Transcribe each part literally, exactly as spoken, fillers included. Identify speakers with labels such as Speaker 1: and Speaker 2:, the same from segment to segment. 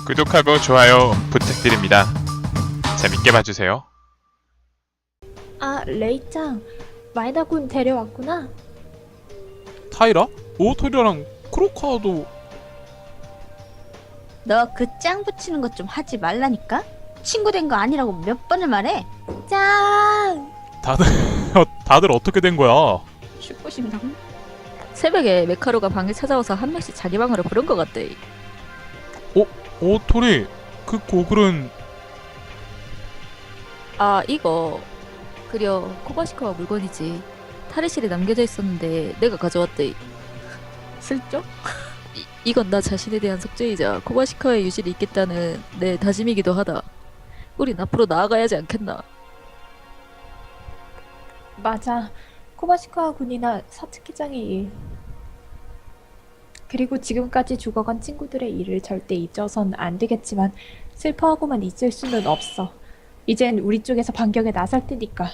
Speaker 1: 구독하고 좋아요 부탁드립니다. 재밌게 봐주세요.
Speaker 2: 아, 레이짱, 마이다군 데려왔구나.
Speaker 3: 타이라? 오토리랑 크로카도.
Speaker 4: 너 그 짱 붙이는 것 좀 하지 말라니까? 친구 된 거 아니라고 몇 번을 말해?
Speaker 2: 짱!
Speaker 3: 다들 다들 어떻게 된 거야?
Speaker 4: 슈퍼심당.
Speaker 5: 새벽에 메카루가 방에 찾아와서 한 명씩 자기 방으로 부른 것 같대.
Speaker 3: 오토리, 그 고글은.
Speaker 5: 아 이거 그려 코바시카와 물건이지. 탈의실에 남겨져 있었는데 내가 가져왔대. 슬쩍? 이, 이건 나 자신에 대한 속죄이자 코바시카의 유실이 있겠다는 내 다짐이기도 하다. 우린 앞으로 나아가야지 않겠나.
Speaker 2: 맞아. 코바시카 군이나 사츠키장의 일. 그리고 지금까지 죽어간 친구들의 일을 절대 잊어선 안 되겠지만 슬퍼하고만 있을 수는 없어. 이젠 우리 쪽에서 반격에 나설 테니까.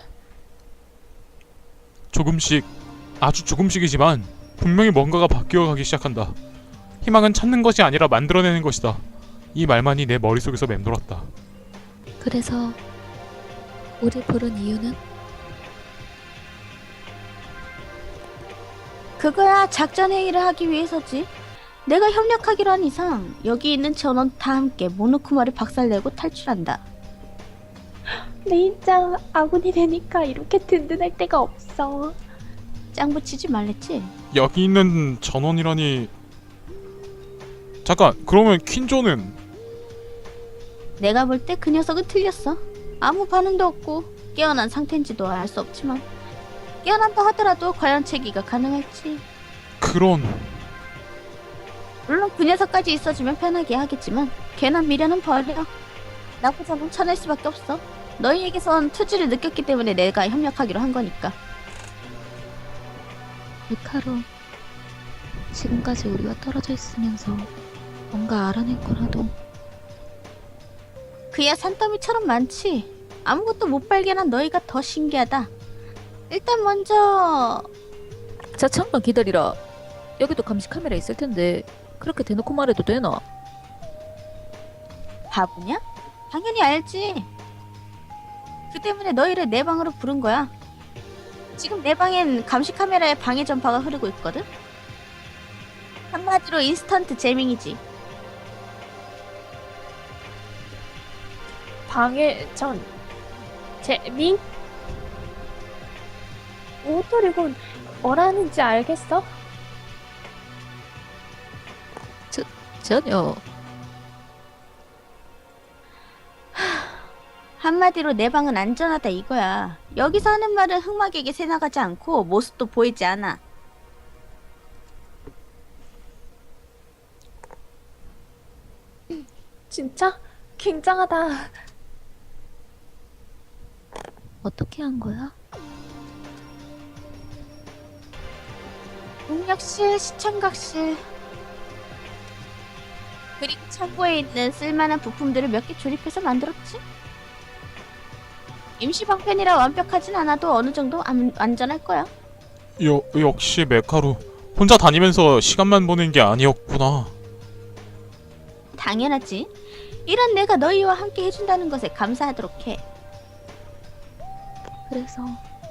Speaker 3: 조금씩, 아주 조금씩이지만 분명히 뭔가가 바뀌어가기 시작한다. 희망은 찾는 것이 아니라 만들어내는 것이다. 이 말만이 내 머릿속에서 맴돌았다.
Speaker 5: 그래서 우리 부른 이유는?
Speaker 4: 그거야 작전 회의를 하기 위해서지. 내가 협력하기로 한 이상 여기 있는 전원 다 함께 모노쿠마를 박살내고 탈출한다.
Speaker 2: 레이짱, 아군이 되니까 이렇게 든든할 데가 없어.
Speaker 4: 짱 붙이지 말랬지?
Speaker 3: 여기 있는 전원이라니. 잠깐, 그러면 퀸조는?
Speaker 4: 내가 볼 때 그 녀석은 틀렸어. 아무 반응도 없고 깨어난 상태인지도 알 수 없지만 깨어난다 하더라도 과연 체기가 가능할지.
Speaker 3: 그런.
Speaker 4: 물론 그 녀석까지 있어주면 편하게 하겠지만 괜한 미련은 버려. 나쁘지 않으면 쳐낼 수밖에 없어. 너희에게선 투지를 느꼈기 때문에 내가 협력하기로 한 거니까.
Speaker 5: 메카루, 지금까지 우리와 떨어져 있으면서 뭔가 알아낸 거라도.
Speaker 4: 그야 산더미처럼 많지. 아무것도 못 발견한 너희가 더 신기하다. 일단 먼저
Speaker 5: 자 잠깐 기다리라. 여기도 감시 카메라 있을 텐데 그렇게 대놓고 말해도 되나?
Speaker 4: 바보냐? 당연히 알지. 그 때문에 너희를 내 방으로 부른 거야. 지금 내 방엔 감시 카메라에 방해 전파가 흐르고 있거든. 한마디로 인스턴트 재밍이지.
Speaker 2: 방해 전 재민? 오토리군, 뭐라는지 알겠어?
Speaker 5: 전혀.
Speaker 4: 한마디로 내 방은 안전하다 이거야. 여기서 하는 말은 흑막에게 새나가지 않고 모습도 보이지 않아.
Speaker 2: 진짜? 굉장하다.
Speaker 5: 어떻게 한 거야?
Speaker 4: 공략실, 시청각실, 그리고 창고에 있는 쓸만한 부품들을 몇 개 조립해서 만들었지. 임시 방편이라 완벽하진 않아도 어느 정도 안, 안전할 거야.
Speaker 3: 여, 역시 메카루. 혼자 다니면서 시간만 보낸 게 아니었구나.
Speaker 4: 당연하지. 이런 내가 너희와 함께 해준다는 것에 감사하도록 해.
Speaker 5: 그래서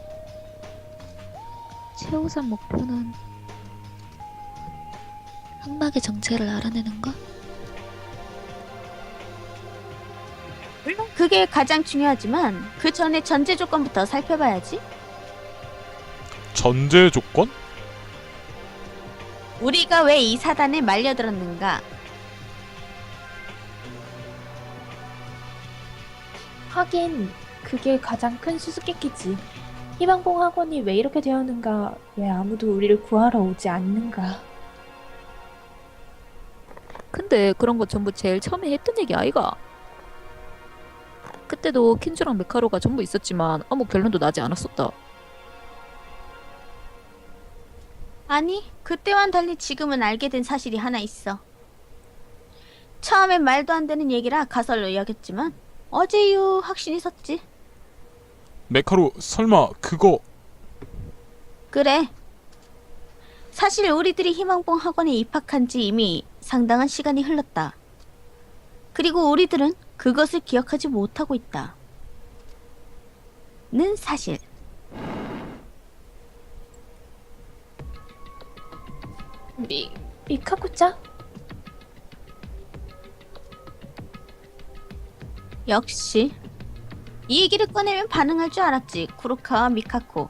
Speaker 5: 최우선 목표는 흑막의 정체를 알아내는 것?
Speaker 4: 물론 그게 가장 중요하지만 그 전에 전제 조건부터 살펴봐야지.
Speaker 3: 전제 조건?
Speaker 4: 우리가 왜 이 사단에 말려들었는가?
Speaker 2: 하긴 그게 가장 큰 수수께끼지. 희망봉 학원이 왜 이렇게 되었는가? 왜 아무도 우리를 구하러 오지 않는가?
Speaker 5: 근데 그런 거 전부 제일 처음에 했던 얘기 아이가? 그때도 킨주랑 메카로가 전부 있었지만 아무 결론도 나지 않았었다.
Speaker 4: 아니, 그때와는 달리 지금은 알게 된 사실이 하나 있어. 처음엔 말도 안 되는 얘기라 가설로 여겼지만 어제 이후 확신이 섰지.
Speaker 3: 메카루, 설마 그거.
Speaker 4: 그래. 사실 우리들이 희망봉 학원에 입학한 지 이미 상당한 시간이 흘렀다. 그리고 우리들은 그것을 기억하지 못하고 있다. 는 사실.
Speaker 2: 미, 미카코짱?
Speaker 4: 역시 이 얘기를 꺼내면 반응할 줄 알았지. 쿠로카와 미카코.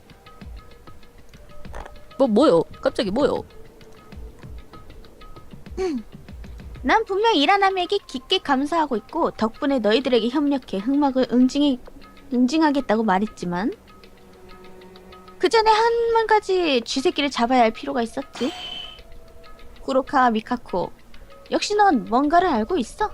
Speaker 5: 뭐 뭐요? 갑자기 뭐요?
Speaker 4: 난 분명 이라나미에게 깊게 감사하고 있고 덕분에 너희들에게 협력해 흑막을 응징해, 응징하겠다고 말했지만 그 전에 한 가지 쥐새끼를 잡아야 할 필요가 있었지. 쿠로카와 미카코, 역시 넌 뭔가를 알고 있어.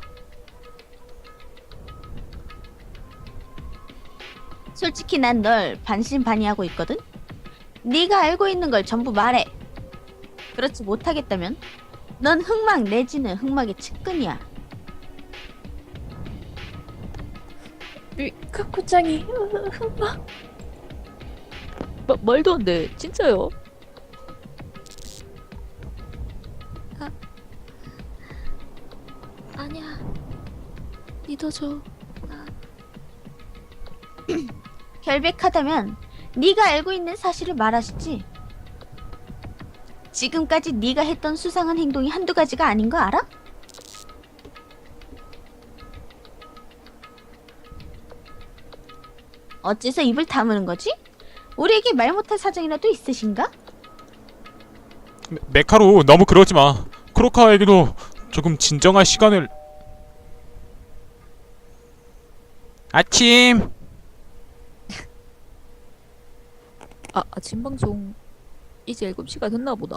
Speaker 4: 솔직히 난 널 반신반의하고 있거든. 네가 알고 있는 걸 전부 말해. 그렇지 못하겠다면 넌 흑막 내지는 흑막의 측근이야.
Speaker 2: 미카코짱이 으, 흑막?
Speaker 5: 마, 말도 안 돼. 진짜요? 아, 아니야. 믿어줘.
Speaker 4: 결백하다면 네가 알고 있는 사실을 말하시지. 지금까지 네가 했던 수상한 행동이 한두 가지가 아닌 거 알아? 어째서 입을 다무는 거지? 우리에게 말 못할 사정이라도 있으신가?
Speaker 3: 메, 메카루 너무 그러지 마. 크로카와에게도 조금 진정할 시간을. 아침.
Speaker 5: 아, 아침 방송 이제 일곱 시가 됐나 보다.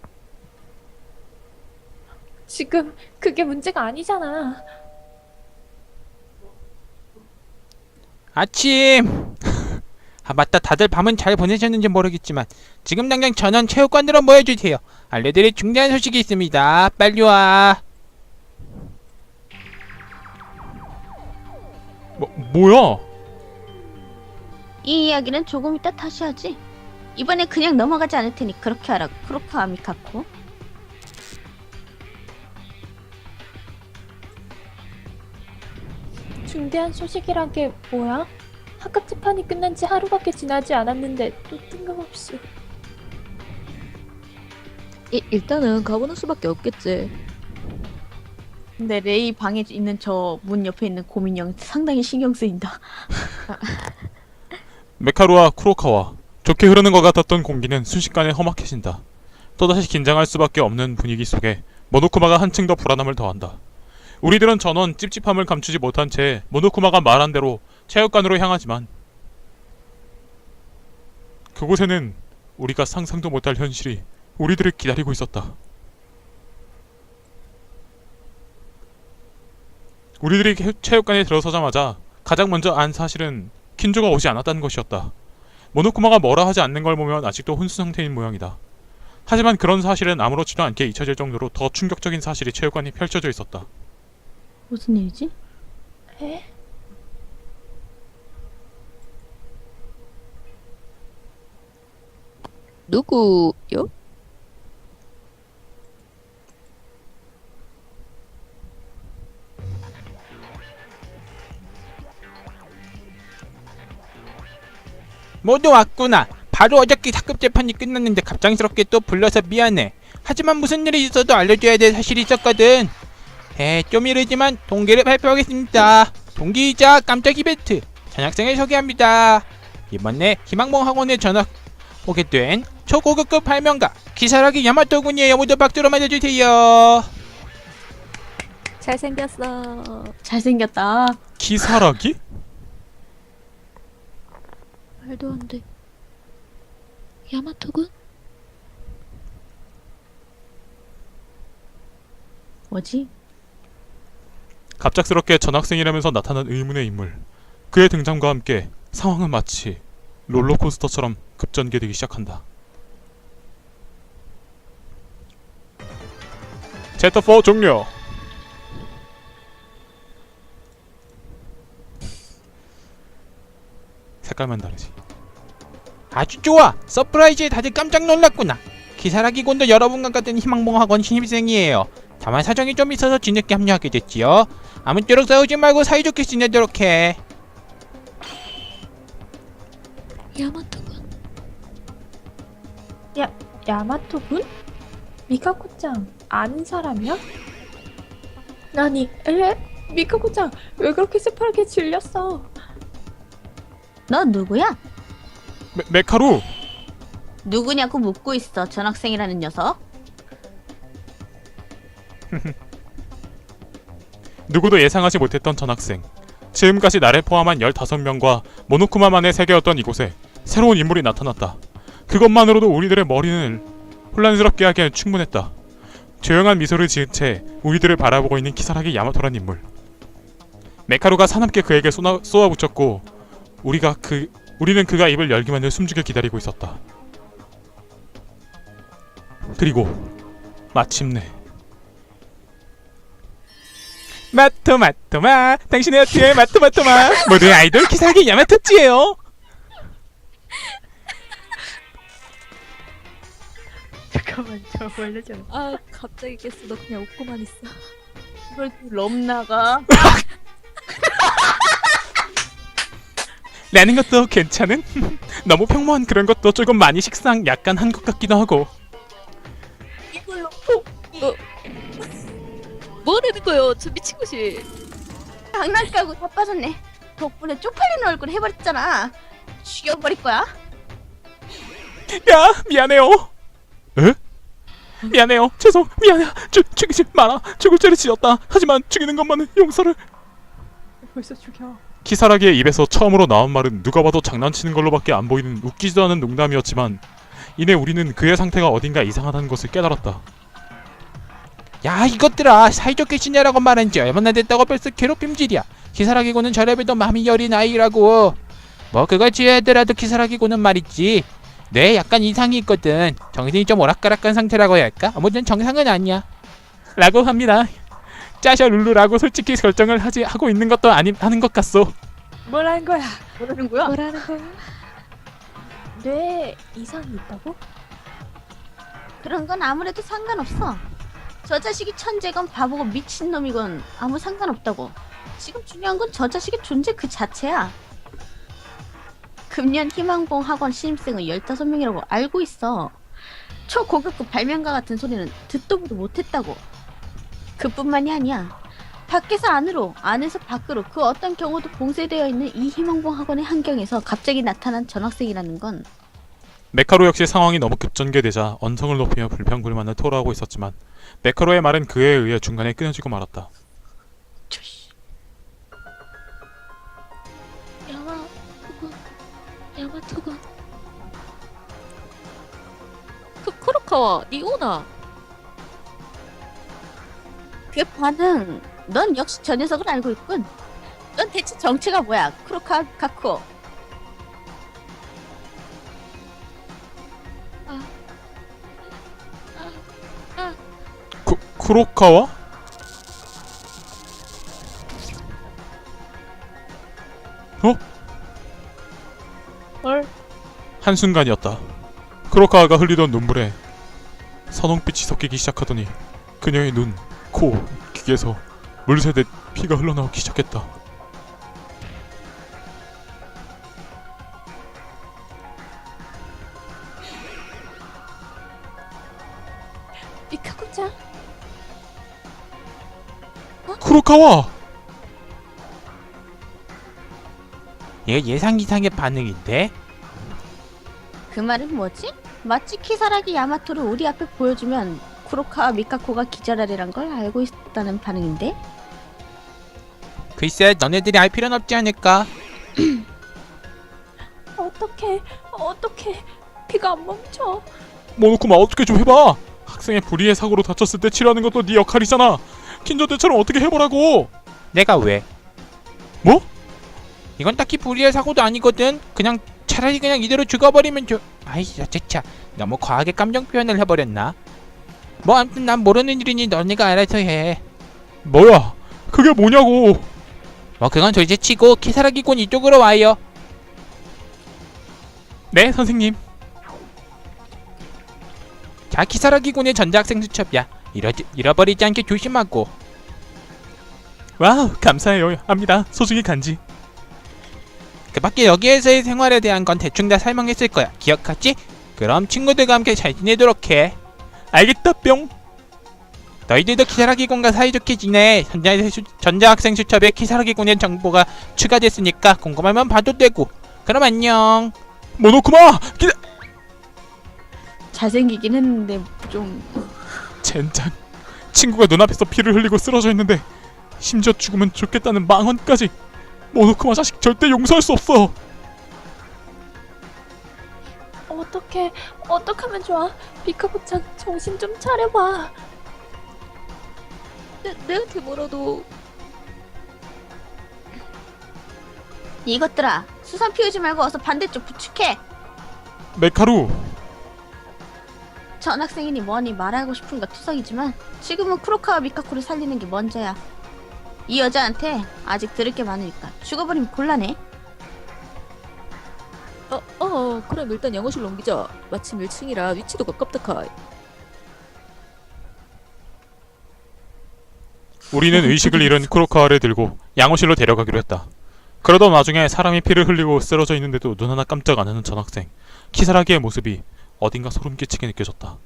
Speaker 2: 지금 그게 문제가 아니잖아.
Speaker 6: 아침. 아 맞다, 다들 밤은 잘 보내셨는지 모르겠지만 지금 당장 전원 체육관으로 모여주세요. 알려드릴 중대한 소식이 있습니다. 빨리 와.
Speaker 3: 뭐 뭐야?
Speaker 4: 이 이야기는 조금 이따 다시 하지. 이번에 그냥 넘어가지 않을 테니 그렇게 하라고. 크로카와 미카코.
Speaker 2: 중대한 소식이란 게 뭐야? 학급 재판이 끝난 지 하루밖에 지나지 않았는데 또 뜬금없이.
Speaker 5: 이, 일단은 가보는 수밖에 없겠지.
Speaker 4: 근데 레이 방에 있는 저 문 옆에 있는 고민형 상당히 신경 쓰인다.
Speaker 3: 메카루와 쿠로카와 좋게 흐르는 것 같았던 공기는 순식간에 험악해진다. 또다시 긴장할 수밖에 없는 분위기 속에 모노쿠마가 한층 더 불안함을 더한다. 우리들은 전원 찝찝함을 감추지 못한 채 모노쿠마가 말한 대로 체육관으로 향하지만 그곳에는 우리가 상상도 못할 현실이 우리들을 기다리고 있었다. 우리들이 체- 체육관에 들어서자마자 가장 먼저 안 사실은 킨조가 오지 않았다는 것이었다. 모노쿠마가 뭐라 하지 않는 걸 보면 아직도 혼수 상태인 모양이다. 하지만 그런 사실은 아무렇지도 않게 잊혀질 정도로 더 충격적인 사실이 체육관에 펼쳐져 있었다.
Speaker 4: 무슨 일이지?
Speaker 2: 에?
Speaker 5: 누구요?
Speaker 6: 모두 왔구나. 바로 어저께 사급 재판이 끝났는데 갑작스럽게 또 불러서 미안해. 하지만 무슨 일이 있어도 알려줘야 될 사실이 있었거든. 에, 좀 이르지만 동기를 발표하겠습니다. 동기이자 깜짝 이벤트 전학생을 소개합니다. 이번에 희망봉 학원에 전학 오게 된 초고급급 발명가 기사라기 야마토군이에요. 모두 박수로 맞아주세요.
Speaker 5: 잘생겼어.
Speaker 4: 잘생겼다.
Speaker 3: 기사라기?
Speaker 5: 말도 안 돼. 야마토군?
Speaker 4: 뭐지?
Speaker 3: 갑작스럽게 전학생이라면서 나타난 의문의 인물. 그의 등장과 함께 상황은 마치 롤러코스터처럼 급전개되기 시작한다. 챕터 사 종료. 색깔만 다르지.
Speaker 6: 아주 좋아. 서프라이즈에 다들 깜짝 놀랐구나. 기사라기 군도 여러분과 같은 희망봉 학원 신입생이에요. 다만 사정이 좀 있어서 뒤늦게 합류하게 됐지요. 아무쪼록 싸우지 말고 사이좋게 지내도록 해.
Speaker 5: 야마토군.
Speaker 2: 야마토군? 미카코짱 아는 사람이야? 아니, 에? 미카코짱 왜 그렇게 새파랗게 질렸어?
Speaker 4: 너 누구야?
Speaker 3: 메, 메카루!
Speaker 4: 누구냐고 묻고 있어, 전학생이라는 녀석.
Speaker 3: 누구도 예상하지 못했던 전학생. 지금까지 나를 포함한 열다섯 명과 모노쿠마만의 세계였던 이곳에 새로운 인물이 나타났다. 그것만으로도 우리들의 머리는 혼란스럽게 하기엔 충분했다. 조용한 미소를 지은 채 우리들을 바라보고 있는 키사라기 야마토란 인물. 메카루가 사납게 그에게 쏘나, 쏘아붙였고 우리가 그 우리는 그가 입을 열기만을 숨죽여 기다리고 있었다. 그리고 마침내
Speaker 6: 마토마토마 당신의 어깨에 마토마토마 모두의 아이돌 키사라기 야마토찌예요.
Speaker 2: 잠깐만, 저 원래 좀
Speaker 5: 아 갑자기 깼어. 너 그냥 웃고만 있어.
Speaker 4: 이걸 럼 나가.
Speaker 3: 라는 것도 괜찮은? 너무 평범한 그런 것도 조금 많이 식상 약간 한 것 같기도 하고.
Speaker 4: 이걸로
Speaker 5: 뭐라는 거요? 저 미친 것이.
Speaker 4: 장난까고 다 빠졌네. 덕분에 쪽팔리는 얼굴 해버렸잖아. 죽여버릴 거야.
Speaker 3: 야 미안해요. 에? 미안해요. 죄송 미안해. 죽 죽이지 마라. 죽을 죄를 지었다. 하지만 죽이는 것만은 용서를.
Speaker 2: 벌써 죽여.
Speaker 3: 키사라기의 입에서 처음으로 나온 말은 누가 봐도 장난치는 걸로밖에 안 보이는 웃기지도 않은 농담이었지만 이내 우리는 그의 상태가 어딘가 이상하다는 것을 깨달았다.
Speaker 6: 야 이것들아 사이좋게 지내라고 말한 지 얼마나 됐다고 벌써 괴롭힘질이야. 키사라기고는 저래봬도 마음이 여린 아이라고. 뭐 그걸 지어야더라도 키사라기고는 말이지 뇌에 약간 이상이 있거든. 정신이 좀 오락가락한 상태라고 해야 할까? 아무튼 정상은 아니야
Speaker 3: 라고 합니다. 짜샤 룰루라고 솔직히 결정을 하지 하고 있는 것도 아니 하는 것 같소.
Speaker 2: 뭐라는 거야?
Speaker 4: 뭐라는 거야?
Speaker 5: 뭐라는 거야?
Speaker 2: 뇌에 이상이 있다고?
Speaker 4: 그런 건 아무래도 상관없어. 저 자식이 천재건 바보건 미친놈이건 아무 상관없다고. 지금 중요한 건 저 자식의 존재 그 자체야. 금년 희망봉 학원 신입생은 열다섯 명이라고 알고 있어. 초고급급 발명가 같은 소리는 듣도 보도 못했다고. 그뿐만이 아니야. 밖에서 안으로, 안에서 밖으로 그 어떤 경우도 봉쇄되어 있는 이 희망봉 학원의 환경에서 갑자기 나타난 전학생이라는 건
Speaker 3: 메카로 역시 상황이 너무 급전개되자 언성을 높이며 불평불만을 토로하고 있었지만 메카로의 말은 그에 의해 중간에 끊어지고 말았다.
Speaker 5: 야마토군. 야마토군. 그 쿠로카와 니 오나.
Speaker 4: 그 반응, 넌 역시 저 녀석을 알고 있군. 넌 대체 정체가 뭐야, 쿠로카 가쿠?
Speaker 3: 쿠, 쿠로카와? 어?
Speaker 2: 헐.
Speaker 3: 한순간이었다. 쿠로카와가 흘리던 눈물에 선홍빛이 섞이기 시작하더니 그녀의 눈, 코, 귀에서 물새듯 피가 흘러나오기 시작했다.
Speaker 2: 미카코짱?
Speaker 3: 쿠로카와!
Speaker 6: 얘 예상 이상의 반응인데?
Speaker 4: 그 말은 뭐지? 마치 키사라기 야마토를 우리 앞에 보여주면 쿠로카와 미카코가 기절하리란 걸 알고 있다는 반응인데?
Speaker 6: 글쎄 너네들이 알 필요는 없지 않을까?
Speaker 2: 어떡해, 어떡해. 피가 안 멈춰.
Speaker 3: 모노쿠마 어떻게 좀 해봐! 학생의 불의의 사고로 다쳤을 때 치료하는 것도 네 역할이잖아! 킨조대처럼 어떻게 해보라고!
Speaker 6: 내가 왜?
Speaker 3: 뭐?
Speaker 6: 이건 딱히 불의의 사고도 아니거든. 그냥 차라리 그냥 이대로 죽어버리면 좋... 아이 자체차 너무 과하게 감정 표현을 해버렸나? 뭐 아무튼 난 모르는 일이니 너네가 알아서 해.
Speaker 3: 뭐야! 그게 뭐냐고!
Speaker 6: 뭐 그건 둘째 치고 키사라기군 이쪽으로 와요.
Speaker 3: 네, 선생님.
Speaker 6: 자 키사라기군의 전자학생 수첩이야. 잃어, 잃어버리지 않게 조심하고.
Speaker 3: 와우, 감사해요. 합니다. 소중히 간지.
Speaker 6: 그 밖에 여기에서의 생활에 대한 건 대충 다 설명했을 거야. 기억하지? 그럼 친구들과 함께 잘 지내도록 해.
Speaker 3: 알겠다, 뿅.
Speaker 6: 너희들도 키사라기군과 사이좋게 지내. 전자수, 전자학생 수첩에 키사라기군의 정보가 추가됐으니까 궁금하면 봐도 되고. 그럼 안녕.
Speaker 3: 모노쿠마! 기다!
Speaker 4: 잘생기긴 했는데 좀
Speaker 3: 젠장. 친구가 눈앞에서 피를 흘리고 쓰러져 있는데 심지어 죽으면 좋겠다는 망언까지. 모노쿠마 자식 절대 용서할 수 없어.
Speaker 2: 어떡해. 어떡하면 좋아. 비카부짱 정신 좀 차려봐.
Speaker 5: 내, 내한테 뭐라도.
Speaker 4: 이것들아 수선 피우지 말고 어서 반대쪽 부축해.
Speaker 3: 메카루.
Speaker 4: 전학생이니 뭐니 말하고 싶은 거 투성이지만 지금은 쿠로카와 미카코를 살리는 게 먼저야. 이 여자한테 아직 들을 게 많으니까 죽어버리면 곤란해.
Speaker 5: 어, 어, 그럼 일단 영어실로 옮기자. 마침 일 층이라 위치도 가깝다 카이.
Speaker 3: 우리는 의식을 잃은 쿠로카와를 들고 양호실로 데려가기로 했다. 그러던 와중에 사람이 피를 흘리고 쓰러져 있는데도 눈 하나 깜짝 안 하는 전학생 키사라기의 모습이 어딘가 소름 끼치게 느껴졌다.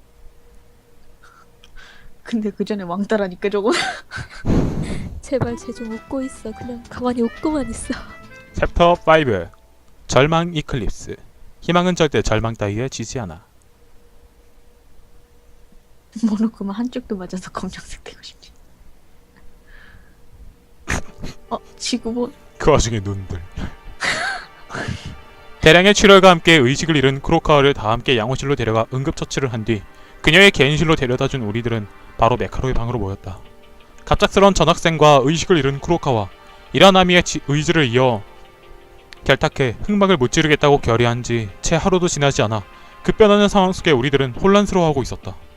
Speaker 4: 근데 그 전에 왕따라니까 저거.
Speaker 5: 제발 쟤 좀 웃고 있어. 그냥 가만히 웃고만 있어.
Speaker 3: 챕터 오. 절망 이클립스. 희망은 절대 절망 따위에 지지 않아.
Speaker 4: 모노쿠마 한쪽도 맞아서 검정색 되고 싶지. 어 지구본.
Speaker 3: 그 와중에 눈들. 대량의 출혈과 함께 의식을 잃은 쿠로카와를 다 함께 양호실로 데려가 응급처치를 한 뒤 그녀의 개인실로 데려다준 우리들은 바로 메카로의 방으로 모였다. 갑작스런 전학생과 의식을 잃은 쿠로카와 이라나미의 지, 의지를 이어 결탁해 흑막을 무찌르겠다고 결의한 지 채 하루도 지나지 않아 급변하는 상황 속에 우리들은 혼란스러워하고 있었다.